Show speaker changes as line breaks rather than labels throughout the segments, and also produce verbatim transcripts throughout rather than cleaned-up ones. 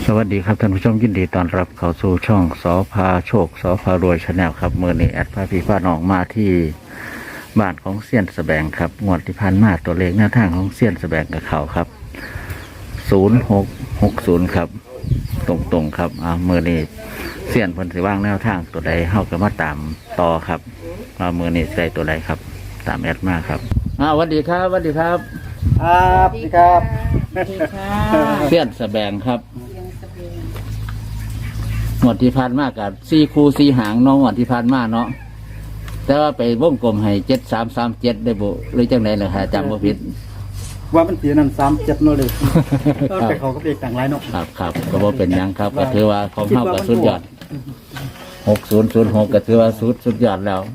สวัสดีครับท่านผู้ชมยินดีต้อนรับเข้าสู่ช่องสอพาโชคสอพารวยชาแนลครับเมื่อนี้แอดพาพี่พาน้องมาที่บ้านของเซียนสแบงครับงวดที่ผ่านมาตัวเลขหน้าทางของเซียนสแบงกับเขาครับศูนย์หกหกศูนย์ครับตรงๆครับอ่าเมื่อนี้เซียนเพิ่นสิว่างแนวทางตัวใดเฮาก็มาตามต่อครับมาเมื่อนี้ใส่ตัวใดครับตามแอดมาครับอ่าสวัสดีครับสวัสดีครับ
ครับดีครับ
สวัสดีค่ะ
เซียนสแบงครับหมดที่ผ่านมากับสี่คูสี่หางเน้องหมดที่ผ่านมาเนาะแต่ว่าไปวงกลมให้เจ็ดสามสามเจ็ดได้บุหรือจังไหนเลยฮะจำว่าผิด
ว่ามันเสียนั่นสามเจ็ดโนเลยก็ไปเขาก็เปกต่างไรเนาะ
ครับครับก็บ่เป็นหยังครับก็ถือว่าของเข้ากับสุดยอดหกศูนย์ศูนย์หกก็ถือว่าสุดสุดยอดแล้ว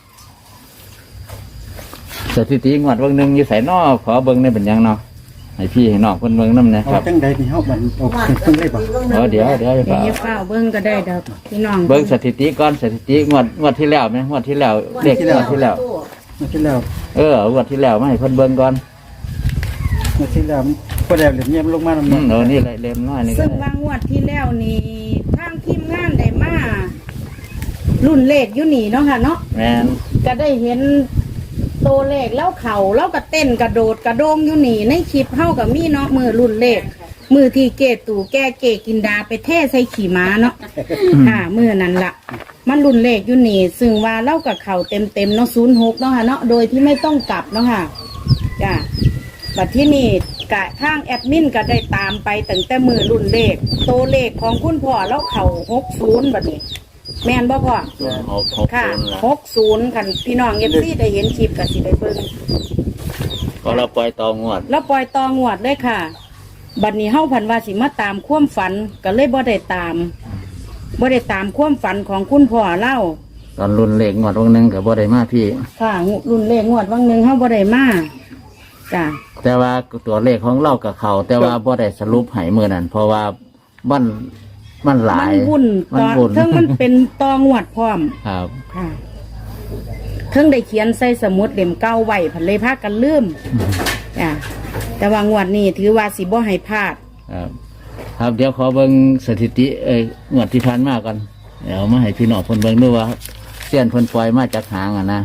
สถิติงวดเบิ้งหนึ่งอยู่ใส่นอกขอเบิ้งได้เป็นหยังเนาะให้พี่ให้น้องคนเบิ้งน้ำนะ
เอา
ครับ
จังใดนี่เฮามันเอาเพิ่งได้บ่
เออเดี๋ยวเดี๋ยว
เดี๋ยว
เดี๋ยว
อย่าเฝ้าเบิ้งก็ได้ดอกพี่น้อง
เบิ้งสถิติก่อนสถิติงวดงวดที่แล้วไหมงวดที่แล้วเด็กงวดที่แล้ว
เมื่อที่แล้ว
เอองวดที่แล้วมาให้เพิ่นเบิ้งก่อน
เมื่อที่แล้วก็แล้วเหรียญเงียบลงมาแล้ว
อืมเออนี่เลยเล่มน้อยนี่ก็
ซึ่ง
ได้
บางงวดที่แล้วนี่ทางทีมงานได้มารุ่นเลขอยู่นี่เนาะค่ะเนาะ
แม่น
ก็ได้เห็นตัวเลขแล้วเข่าแล้วก็เต้นกระโดดกระโดงอยู่นี่ในคลิปเฮากับมีเนาะมือรุ่นเลขมือที่เกตู่แก้เกกินดาไปเทใส่ขี่ม้าเนาะค่ะมือนั้นละมันรุ่นเลขอยู่นี่ซึ่งว่าเล่ากับเข่าเต็มเต็มๆเนาะศูนย์หกเนาะค่ะเนาะโดยที่ไม่ต้องกลับเนาะค่ะจ้ะบัดที่นี่กะทางแอดมินก็ได้ตามไปตั้งแต่มือรุ่นเลขตัวเลขของคุณพ่อแล้วเข่าหกศูนย์บัดนี้แม่นบ่พ่อ
หกหก
ค่ะ
ศูนย์ละ
หกศูนย์คันพี่น้องเอฟซีได้เห็นคลิปกับสิได้เบิ่ง
ก็เราปล่อยต่องวด
แล้วปล่อยตองวดเลยค่ะ บัดนี้เฮาพันว่าสิมาตามความฝันก็เลยบ่ได้ตามบ่ได้ตามความฝันของคุณพ่อเล่า
ตอนรุ่นเลขงวดวันหนึ่งกับบ่ได้มาพี่
ค่ะรุ่นเลขงวดวังหนึ่งเฮาบ่ได้มาจ้ะ
แต่ว่าตัวเลขของเรากับเขาแต่ว่าบ่ได้สรุปให้มือนั้นเพราะว่ามันมันหลา
มั
ย
นวุ่น
มั
ต
น
อน
วุ่น
เทิงมันเป็นตองวดพร้อม
ครับ
ค่ะเทิงได้เขียนใส่สมุดเล่มเก่าไว้พันเลยพากันลืมจ้ะแต่ว่างวดนี้ถือว่าสิบ่ให้พลาด
ครับ ครับเดี๋ยวขอเบิ่งสถิติเอ้ยงวดที่ผ่านมาก่อนเดี๋ยวมาให้พี่น้องเพิ่นเบิ่งด้วยว่าเสี้ยนเพิ่นปล่อยมาจากหางอ่ะนะ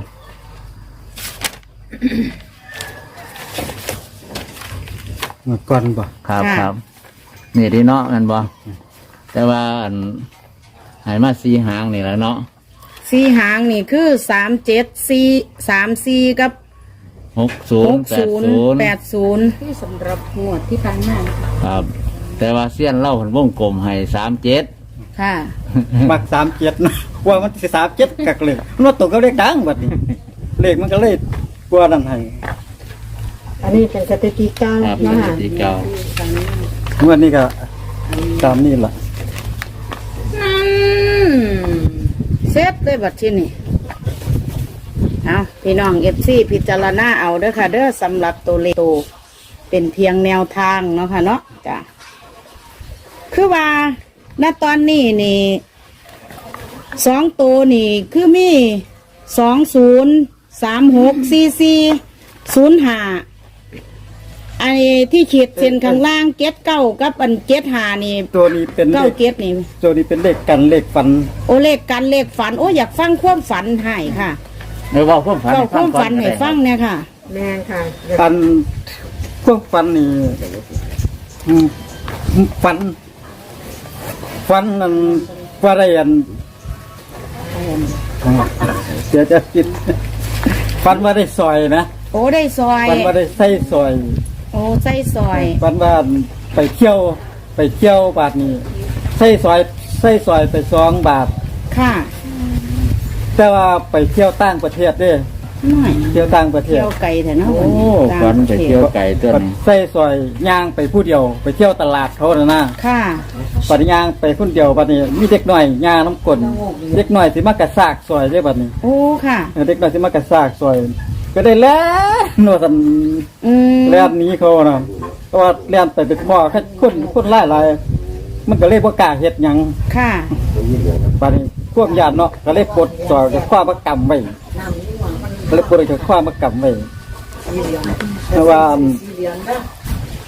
เมื่อก่อนบ่
ครับ
ค่ะ
ครับนี่ดีเนาะแมันบ่แต่ว่าอันใหายมาสีหางนี่แหละเนาะ
สี่หางนี่คือสามเจ็ดสี่สามสี่กับ
หกศู
ห
นย์
ก
แปด
ศูนย์
ศูนย์
แปดศูนย์ที่สำหรับงวดที่ผ่านมา
ครับ แต่ว่าเสี้ยนเล่าเพิ่นวงกลมให้สามเจ็ด
ค่ะ
มักสามเจ็ดนะว่ามันสิสามเจ็ดกักเลยมันว่าตกกับเลขดังบัดนี้เลขมันก็เลยกลัวนั่นให้
อันนี้เป็นสถิติเก้า
ครับ
เนาะ
ส
ค่ะ
ถิติเก่า
เมื่อนี้ก็ตามนี่ล่ะ
อืมเซตเลยบัดที่นี่เอาพี่น้องเอฟซีพิจารณาเอาเด้อค่ะ เด้อสำหรับตัวเลขตัวเป็นเพียงแนวทางเนาะค่ะเนาะจ้ะคือว่าณตอนนี้นี่สองตัวนี่คือมีสองศูนย์สามหกสี่สี่ศูนย์ห้าอันนี้ที่ขีดเส้นข้างล่างเก็ดเก้ากับอันเก็ดหานี่
ตัวนี้เป็นเล
เก้า
ข
เก็ดนี่
ตัวนี้เป็นเลขกันเลขฟัน
โอเลขกันเลขฝันโอ้อยากฟังความฝันให้ค่ะ
เดี๋ยวเว่าความฝัน
เก้า
ให้
ความ
ก่อ
ฝันให้ฟัง
ก็ได้
เนี่ยค่ะ
แม่ค่ะ
ฟันพวกฟันนี่อืมฟัน ฟันนั่นว่าได้อันเดี๋ยวจะคิดฟันว่าได้ซอยนะ
โอ้ได้ซอย
ฟันว่าได้ใส่ซอย
โอ้ใส่ซอย
ฟันว่าไปเที่ยว ไปเที่ยวบาทนี้ใส่ซอยใส่ซอยไปสองบาท
ค่ะ
แต่ว่าไปเที่ยวต่างประเทศเด้
น้อย
เที่ยวต่างประเทศ
เที่ยวไกลแต่เนาะ
โอ้
ต่าง
ฝัน
ประ
ไป
เทศ
เที่ยวไก่ตัวนี้
ใส่ซอยย่างไปผู้เดียว ไปเที่ยวตลาดเขาน่ะนะ
ค่ะ
ปัดย่างไปคนเดียวบัดนี้มีเด็กหน่อยย่างน้ำกลนเด็กหน่อยสิมากระซากซอยได้บัดนี้
โอ้ค่ะ
เด็กหน่อยสิมากระซากซอย ก็ได้แล้วหนวดสัน
อืม
แล่นหนี้เขานะเพราะว่าแล่นไปเป็นพ่อแค่คนคนไล่ไล่มันก็เลยบ่กล้าเฮ็ดหยัง
ค่ะ
บัดนี้พวกญาติเนาะก็เลยปลดซอยกับความมากำไว้ก็เลยปลดกับความมากำไว้เพราะว่าอัน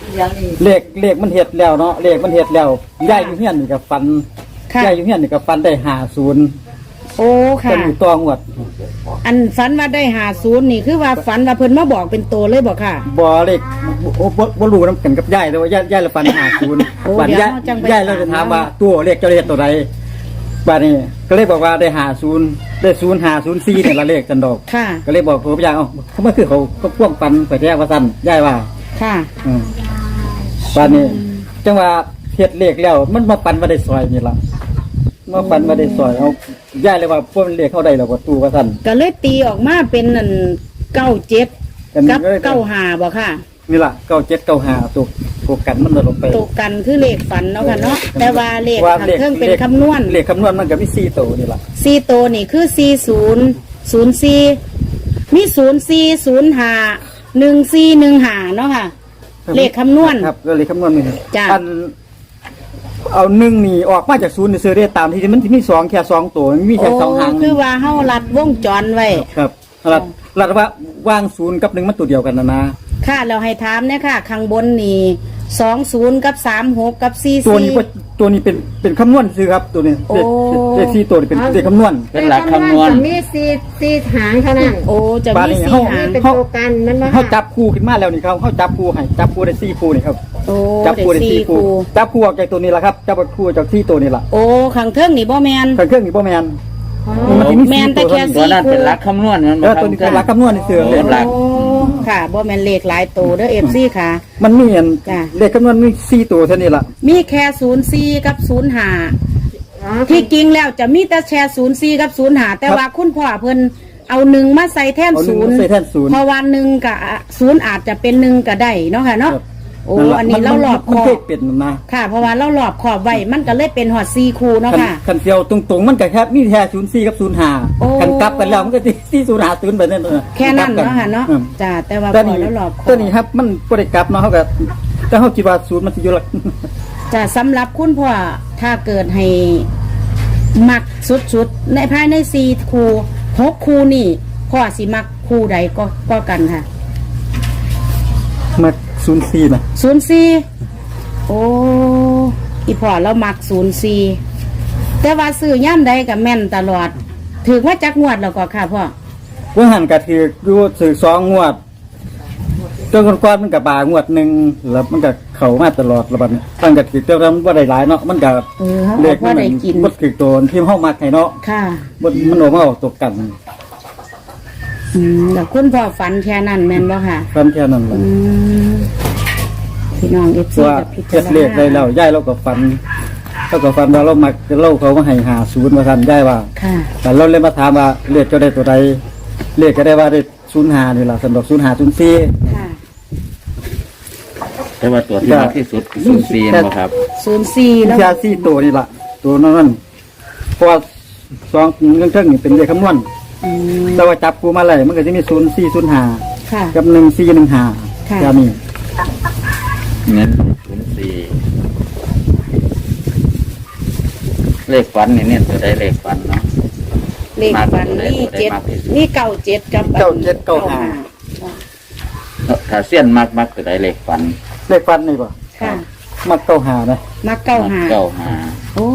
เลขเลขมันเฮ็ดแล้วเนาะเลขมันเฮ็ดแล้วย่ายอยู่เฮียนนี่ก็ฟัน
ค่ะ
ย่ายอยู่เฮียนนี่ก็ฟันได้ห้าศูนย์
โอ้ค่ะ
เป็นอยู่ตองวด
อันฝันว่าได้หาศูนย์นี่คือว่าฝันว่าเพิ่นมาบอกเป็นตัวเลยบอกค่ะ
บ่เลขบ่บ่บ่รู้นำกันกับย่ายแต่ว่าย่ายย่ายละฟันห้าศูนย์
โอ้
บัด
เดี๋ยว
ย่าย
เราจังไป
ย่ายเราจะถาม
ถาม
ว่าตัวเลขเจ้าเลขตัวใดบัดนี้ก็เลยบอกว่าได้ห้าศูนย์ได้ศูนย์ห้าศูนย์สี่เนี่ยละเลขกันดอก
ค่ะ
ก็เลยบอกผมพยางเอ้าเขามาคือเขาก็พ่วงฟันไปแท้ว่าซั่นย่ายว่า
ค่ะ
อืมบัดนี้จังว่าเฮ็ดเลขแล้วมันมาปันมาได้ซอยนี่ล่ะมาปันมาได้ซอยเอาย่ายเลยว่าพวกมันเลขเข้าได้แล้วว่าตู้ว่าซั่น
ก็เลยตีออกมาเป็นนั่นเก้าเจ็ด
อันนี้
กับ
ก็เลย
เก้าหาบอกค่ะ
นี่ล่ะเก้าเจ็ดเก้าห้าตัวตัวกันมันลดลงไป
ตกกันคือเลขฝันเนาะค่ะเนาะแต่ว่าเลข
ว่า
ทางเครื่องเป็นคำนวณ
เลขคำนวณมันก็มีสี่ตัวนี่ล่ะ
สี่ตัวนี่คือสี่ศูนย์ศูนย์สี่มีศูนย์สี่ศูนย์หาหนึ่งสี่หนึ่งหาเนาะค่ะ เลขคำนวณ
ครับก็เลขคำนวณนี่
จ้ะ
อันเอาหนึ่งนี่ออกมาจากศูนย์นี่ซื้อได้ตามที่มันมีสองแค่สองตัวมันมีแค่สองหาง
โคือว่าเฮารัดวงจรไว้
ครับรัดรัดว่าวางศูนย์กับหนึ่งมันตัวเดียวกันนะนะ
ค่ะเราให้ถามเนี่ยค่ะ ข้างบนนี่สองศูนย์กับสามหกกับสี่
ตัว
สี่
นี้ก็ตัวนี้เป็นเป็นคำนวณซื้อครับตัวนี้
โอ้
เลขเลขสี่ตัวนี่เป็นเลขคำนวณ
เป็นหลักคำนวณ
มีสีสีหางเท่านั้น
โอ้จะ
บาท
มี
นี่
สี่
เฮา
หาง
เป็นตัวกันมันมา
เขาจับคู่ขึ้นมาแล้วนี่เขาเขาจับคู่ให้จับคู่ได้สี่คู่นี่ครับ
โอ้
จับ
เด็
คู่
ก
ได้
สี่
สี่
ครู
คู่จับคู่ออกจากตัวนี้แหละครับจับคู่จากที่ตัวนี้แหละ
โอ้ข้างเทิงนี่บ่แมน
เครื่องเครื่องนี่บ่แมน
อ๋อ
มันจะมี
แม่
สี่
นแต่
ตัว
แค่
เท่านี้
ตัวนั้นเป็นหลักคำนวณมัน
เออตัวนี้เป็นหลักคำนวณในเสือ
โอ้หลัก
โอ้ค่ะบ่แมนเลขหลายตัวเด้อเอฟซีค่ะ
มันมีอัน
จ้ะ
เลขคำนวณมีสี่ตัวเท่านี้แหละ
มีแค่ศูนย์สี่กับศูนย์หา
อ๋อ
ที่จริงแล้วจะมีแต่แชร์ศูนย์สี่กับศูนย์หาแต่ว่าคุณพ่อเพิ่นเอาหนึ่งมาใส่แท่น
เอาหนึ่
ศู
ง
นย์
ใส่แท่นศูนย์
เพราะวันหนึ่งกับศูนย์อาจจะเป็นหนึ่งก็ได้เนาะค่ะเนาะ
ครับ
โอ้
นั่นล่ะ
อันนี้เราหลอบค
มัน
อ
เคยเป็นนะ
ค่ะ เพราะว่าเราหลอบขอบไว้มันก็เลยเป็นหอดซีคูเนาะ
คัน
ค่ะ
คันเดียวตรงๆมันก็แค่มีแค่ศูนย์สี่กับศูนย์ห้า
โอ้
คันกลับกันแล้วมันก็ที่ศูนย์ห้าศูนย์แบบนั้นเออ
แค่นั้น
กลับกั
เนาะค่ะเนาะ
อืม
จ้าแต่ว่า
แต่
พอ
นี่
แล้วหลอบขอ
แต่
บ
นี่ครับมันบ่ได้กลับเนาะเขาก็แต่เขาคิดว่าศูนย์มันสิอยู่หลัก
จะสำหรับคุณพ่อถ้าเกิดให้มักสุดๆในภายในซีคูหกคูนี่พ่อสิมักคูใดก็ก็กันค่ะ
มาศูนย์สี่นะ
ศูนย์สี่โอ้อีพ่อเรามักศูนย์สี่แต่ว่าซื้อย่ำใดกับแม่นตลอดถือว่าจักงวดแล้วก็ค่ะพ่อ
ว่าหันก็ถืออยู่ถือสองงวดจนก่อนๆมันก็บางวดหนึงแล้วมันก็เข้ามาตลอดระบัดนี้ตั้งก็ถือแต่ว่ามันบ่ได้หลายเนาะมันก็
เออเขา
เล
บอ
ข
กว่าได้กิน
บ่ถือตัวที่เฮามักให้เนาะ
ค่ะ
บ่มันออกมาออกตกกัน
อืมแล้วคุณพ่อฝันแค่นั้นแม่นบ่ค่ะ
ฟันแค่นั้นแหละ
อืมพี่น้องเอฟซี
ว่า
กับพิ
เฮ็ด
จาร
เลขได้
ณา
แล้วย้ายเราก็ฟันเราก็ฟันว่าเรามักเล่าเขามาให้หาศูนย์มาทันย้ายว่า
ค่ะ
แต่เราเลยมาถามว่าเลขเจ้าได้ตัวใดเลขก็ได้ว่าได้ศูนย์หานี่ล่ะสำหรับศูนย์หาศูนย์สี่
ค่ะ
แต่ว่าตัวที่มากที่สุดศูนย์สี่นะครับ
ศูนย์สี่แล้ว
แค่สี่ตัวนี่ล่ะตัวนั้นเพราะว่าสองเรื่องเท่งนี่เป็นเลขคำนวณ
อืม
แต่ว่าจับกูมาเลยมันก็จะมีศูนย์สี่ศูนย์หา
ค่ะ
กับหนึ่งสี่หนึ่งหา
ค่ะ
จะมี
เน้นศูนย์สี่เลขฝันนี่เนี่ยตัวใดเลขฝันเนาะ
เลขฝันนี่เจ็ดนี่เก้าเจ็ดกับ
เก้าเจ็ดเก้าห้า
ถ้าเสี้ยนมากมากตัวใดเลขฝัน
เลขฟันนี่ป่ะ
ค่ะ
มักเก้าหานะ
มักเก้าหา
เก้าหา
โอ้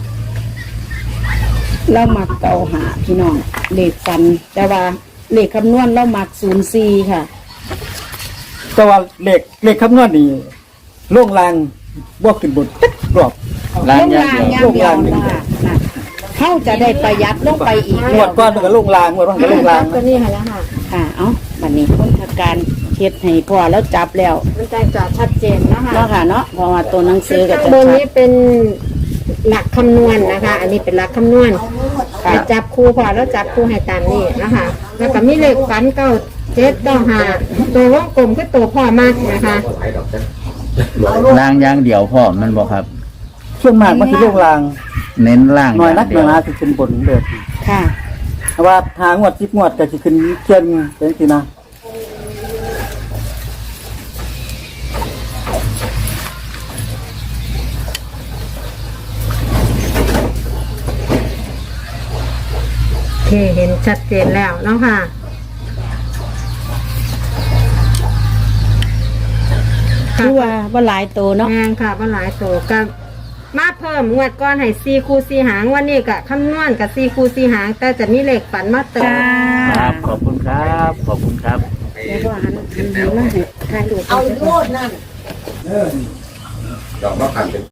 เรามักเก้าหาพี่น้องเลขฝัน แต่ว่าเลขคำนวณเรามักศูนย์สี่ค่ะ
แต่ว่าเลขเลขคำนวณนี่ล่งลางบวกขึ้นบนติ๊กกรอบ
ล้าง
ลง
อย่าง
ลาง
เดียว
ย่างเดียวนะคะน่ะเขาจะได้ประหยัดลงไปอีก
งวดก้อนมันก็ล่งลางงวดมันก็ล่งลาง
ตัวนี้ค่ะแล้วค่ะ
ค่ะ เอ้าบัดนี้คนทำการเฮ็ดให้พ่อแล้วจับแล้ว
มันจะจอดชัดเจนนะคะ
เนาะค่ะเนาะเพราะว่าตัวหนังสือก็จะ
บน
ชั
นี้
ด
เป็นหลักคำนวณนะคะ อันนี้เป็นหลักคำนวณ
ค่ะ
ไปจับคู่พอแล้วจับคู่ให้ตามนี้นะคะ แล้วก็มีเลขฝันเก้าเจ็ดเก้าห้าตัววงกลมคือตัวพ่อมากนะคะ
ล้างอย่างเดียวพ่อมันบอกครับ
ส่วนมากมันคือล่งลาง
เน้นล่าง
หน่อย
อ
นั
ย่าก ง
ห
เดี
น่
ย
อยว นะสิขึ้นบนเด้อ
ค่ะ
แต่ว่าทางงวดสิบงวดก็สิขึ้นเชียนเป็นสินะ
โอเคเห็นชัดเจนแล้วเนาะค่ะ
คือว่าบ่หลายโตเนาะ
แม่นค่ะว่าหลายโตก็มาเพิ่มงวดก้อนให้สี่คู่สี่หางวันนี้ก็คำนวณกับสี่คู่สี่หาง แต่จะมีเลขฝันมาเติม
ครับขอบคุณครับขอบคุณครับ
แล้วก็หันหันหันมาให้ถ่ายรูป
เอาโลดนั่นเออดอกมะขามเป็น